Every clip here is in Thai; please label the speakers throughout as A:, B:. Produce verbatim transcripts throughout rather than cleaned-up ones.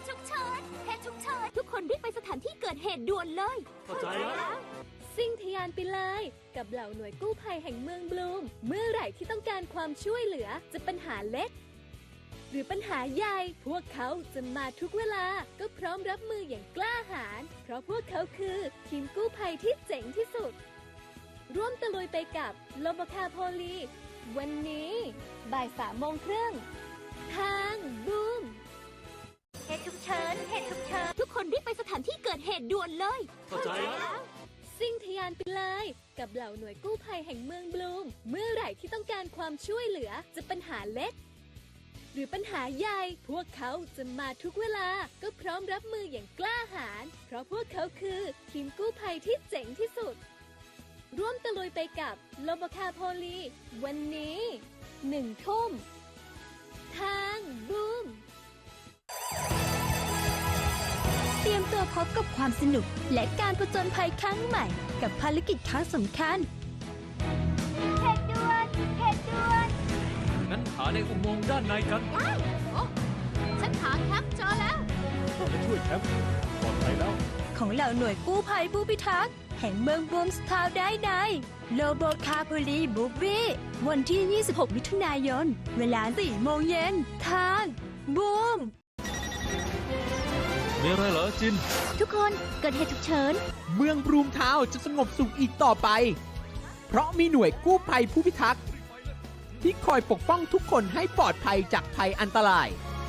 A: ตุฉุกเฉินเหตุฉุกเฉินทุกคนรีบไปสถานที่เกิดเหตุด่วนเลย
B: เข้าใจแล้ว
C: ซิ่งทะยานไปเลยกับเหล่าหน่วยกู้ภัยแห่งเมืองบลูมเมื่อไหร่ที่ต้องการความช่วยเหลือจะปัญหาเล็กหรือปัญหาใหญ่พวกเขาจะมาทุกเวลาก็พร้อมรับมืออย่างกล้าหาญเพราะพวกเขาคือทีมกู้ภัยที่เจ๋งที่สุดร่วมตะลุยไปกับโลบคาโพลีวันนี้บ่ายสามโมงครึ่งทางบูม
A: เหตุฉุกเฉินเหตุฉุกเฉินทุกคนรีบไปสถานที่เกิดเหตุด่วนเลย
B: เข้าใจแล้ว
C: ซิ่งทะยานไปเลยกับเหล่าหน่วยกู้ภัยแห่งเมืองบลูมเมื่อไหร่ที่ต้องการความช่วยเหลือจะปัญหาเล็กหรือปัญหาใหญ่พวกเขาจะมาทุกเวลาก็พร้อมรับมืออย่างกล้าหาญเพราะพวกเขาคือทีมกู้ภัยที่เจ๋งที่สุดร่วมตะลุยไปกับโลบคาโพลีวันนี้หนึ่งทุ่มทางบูม
D: เตรียมตัวพบกับความสนุกและการผจญภัยครั้งใหม่กับภารกิจครั้งสำคัญ
A: เหตุด่วนเหตุด่วน
B: งั้นหาในอุโมงค์ด้านในกัน
A: ว้าวโอ้ฉันหาแคปเจอแล้ว
B: ต้องไปช่วยแคปปลอดภัยแล้ว
D: ของเหล่าหน่วยกู้ภัยผู้พิทักษ์แห่งเมืองบูมสทาวน์ได้ในโลโบคาโพลีบูบี้วันที่ยี่สิบหกมิถุนายนเวลาสี่โมงเย็นทางบูม
B: มีอะไรเหรอจิน
A: ทุกคนเกิดเหตุฉุกเฉิน
E: เมืองบลูมทาวน์จะสงบสุขอีกต่อไปเพราะมีหน่วยกู้ภัยผู้พิทักษ์ที่คอยปกป้องทุกคนให้ปลอดภัยจากภัยอันตราย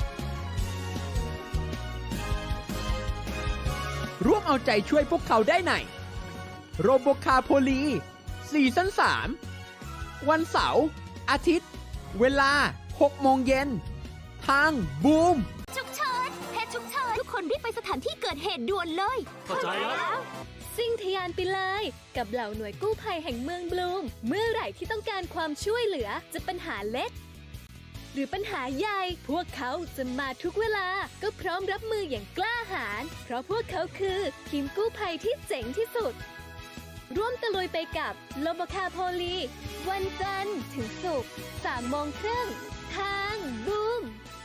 E: ร่วมเอาใจช่วยพวกเขาได้ในโรโบคาโพลีซีซั่นสามวันเสาร์อาทิตย์เวลาหกโมงเย็นทางบูม
A: ฉุกเฉินเหตุฉุกเฉินทุกคนรีบไปสถานที่เกิดเหตุด่วนเลย
B: เข้าใจแล้ว
C: ซิ่งทะยานไปเลยกับเหล่าหน่วยกู้ภัยแห่งเมืองบลูมเมื่อไหร่ที่ต้องการความช่วยเหลือจะปัญหาเล็กหรือปัญหาใหญ่พวกเขาจะมาทุกเวลาก็พร้อมรับมืออย่างกล้าหาญเพราะพวกเขาคือทีมกู้ภัยที่เจ๋งที่สุดร่วมตะลุยไปกับโลบคาโพลีวันจันทร์ถึงศุกร์สามโมงครึ่งทางบูม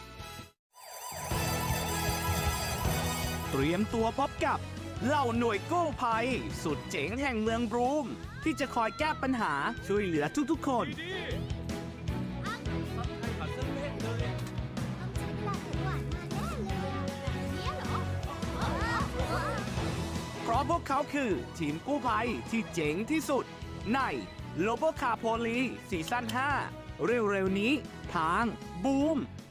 F: เตรียมตัวพบกับเหล่าหน่วยกู้ภัยสุดเจ๋งแห่งเมืองบรูมที่จะคอยแก้ปัญหาช่วยเหลือทุกๆคนเพราะพวกเขาคือทีมกู้ภัยที่เจ๋งที่สุดในโลโบคาโพลีซีซั่นห้าเร็วๆนี้ทางบูม